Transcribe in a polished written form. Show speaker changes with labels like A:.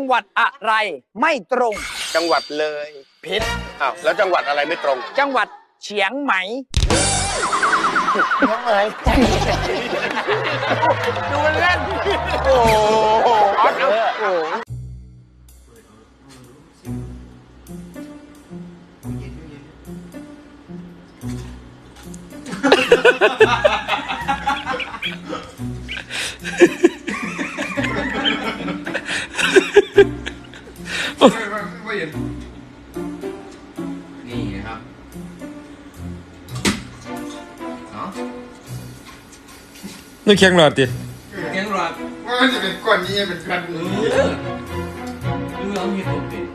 A: หวัดอะไรไม่ตรง
B: จังหวัดเลยพิษอ้าวแล้วจังหวัดอะไรไม่ตรง
A: จังหวัดเฉียงไหม
B: ยังไงดูเล่นโอ้โหออสโอ้โห
C: ไม่เห็นนี่ครับเนาะ
D: นี่แข็งหลอดดิ
C: เกียงรอด
E: ว่ามันจะเป็นก้อนนี้เป็นก้อนนี้
C: เรื่องเห็นผมเป็น